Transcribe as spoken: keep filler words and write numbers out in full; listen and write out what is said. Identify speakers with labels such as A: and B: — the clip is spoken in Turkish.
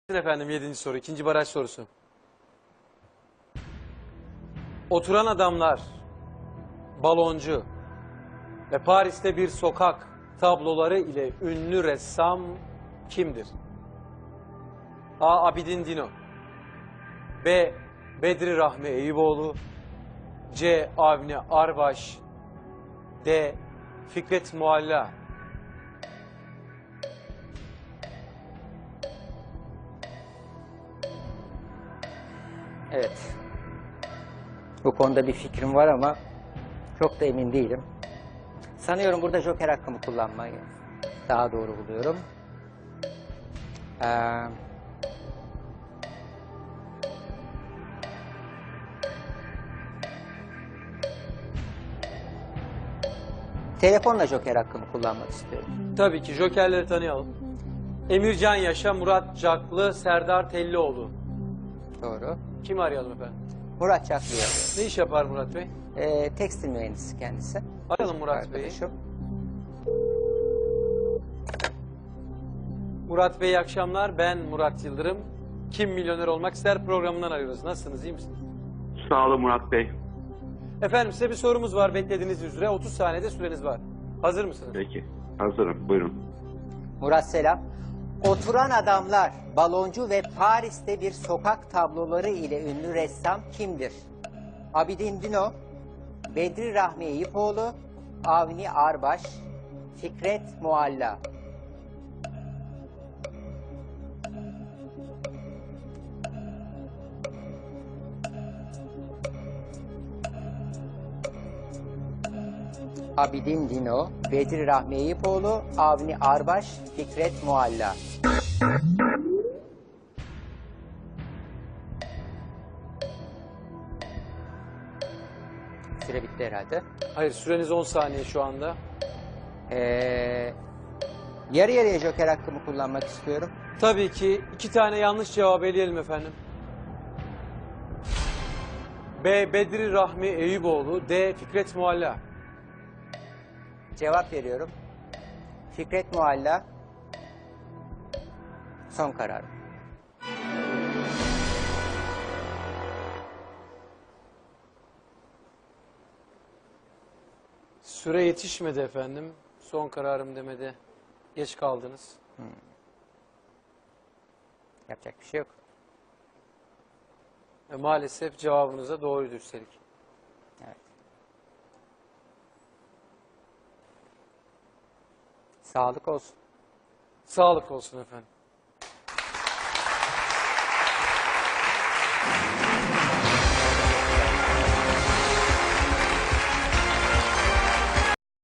A: Efendim yedinci soru, ikinci baraj sorusu. Oturan adamlar, baloncu ve Paris'te bir sokak tabloları ile ünlü ressam kimdir? A. Abidin Dino, B. Bedri Rahmi Eyüboğlu, C. Avni Arbaş, D. Fikret Mualla.
B: Evet. Bu konuda bir fikrim var ama çok da emin değilim. Sanıyorum burada joker hakkımı kullanmayı daha doğru buluyorum. Ee, telefonla joker hakkımı kullanmak istiyorum.
A: Tabii ki jokerleri tanıyalım. Emircan Yaşa, Murat Caklı, Serdar Tellioğlu.
B: Doğru.
A: Kimi arayalım efendim?
B: Murat Çaklı'yı arıyorum.
A: Ne iş yapar Murat Bey?
B: Ee, tekstil mühendisi kendisi.
A: Arayalım Murat Bey'i.
B: Arkadaşım.
A: Murat Bey iyi akşamlar. Ben Murat Yıldırım. Kim Milyoner Olmak İster programından arıyoruz. Nasılsınız, iyi misiniz?
C: Sağ olun Murat Bey.
A: Efendim size bir sorumuz var beklediğiniz üzere. otuz saniyede süreniz var. Hazır mısınız?
C: Peki. Hazırım. Buyurun.
B: Murat selam. Oturan adamlar, baloncu ve Paris'te bir sokak tabloları ile ünlü ressam kimdir? Abidin Dino, Bedri Rahmi Eyüpoğlu, Avni Arbaş, Fikret Mualla. Abidin Dino, Bedri Rahmi Eyüpoğlu, Avni Arbaş, Fikret Mualla. Süre bitti herhalde.
A: Hayır, süreniz on saniye şu anda.
B: Ee, yarı yarıya joker hakkımı kullanmak istiyorum.
A: Tabii ki iki tane yanlış cevap eleyelim efendim. B. Bedri Rahmi Eyüboğlu, D. Fikret Mualla.
B: Cevap veriyorum. Fikret Mualla. Son karar.
A: Süre yetişmedi efendim. Son kararım demede geç kaldınız.
B: Hmm. Yapacak bir şey yok.
A: Ve maalesef cevabınıza doğruydu üstelik.
B: Evet. Sağlık olsun.
A: Sağlık olsun efendim.